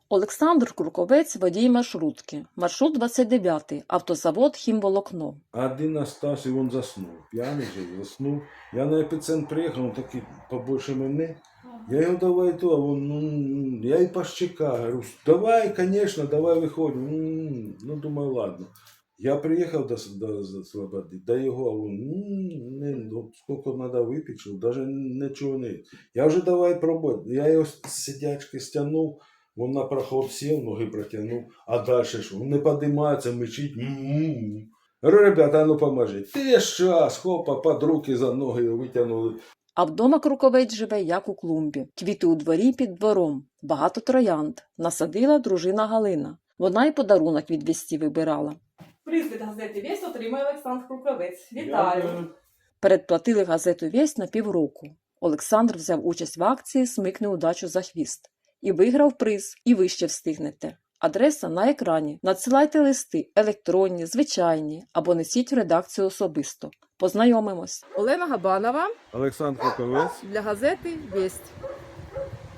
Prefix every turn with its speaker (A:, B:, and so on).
A: Олександр Круковець – водій маршрутки. Маршрут 29, автозавод «Хімволокно».
B: Один остався, і він заснув. П'яний же, заснув. Я на епіцентр приїхав, він такий побольше мене. Я його давай то, а він, я і пощека, говорю, давай, конечно, давай виходимо. Ну, думаю, ладно. Я приїхав до Слободи, до його, а він, скільки треба випити, що навіть нічого не. Я вже давай пробувати. Я його з сидячки стягнув, він на проход сів, ноги протягнув, а далі що? Він не підіймається, мечить. Говорю, ребята, ну поможіть. Ти щас, хопа, під руки за ноги витягнули.
A: А вдома Круковець живе, як у клумбі. Квіти у дворі під двором. Багато троянд. Насадила дружина Галина. Вона й подарунок від вісті вибирала.
C: Приз від газети «Вість» отримає Олександр Круковець. Вітаю!
A: Передплатили газету «Вість» на півроку. Олександр взяв участь в акції «Смикни удачу за хвіст». І виграв приз, і ви ще встигнете. Адреса на екрані. Надсилайте листи, електронні, звичайні, або несіть в редакцію особисто. Познайомимось. Олена Габанова
B: Олександр Круковець.
A: для газети «Вість».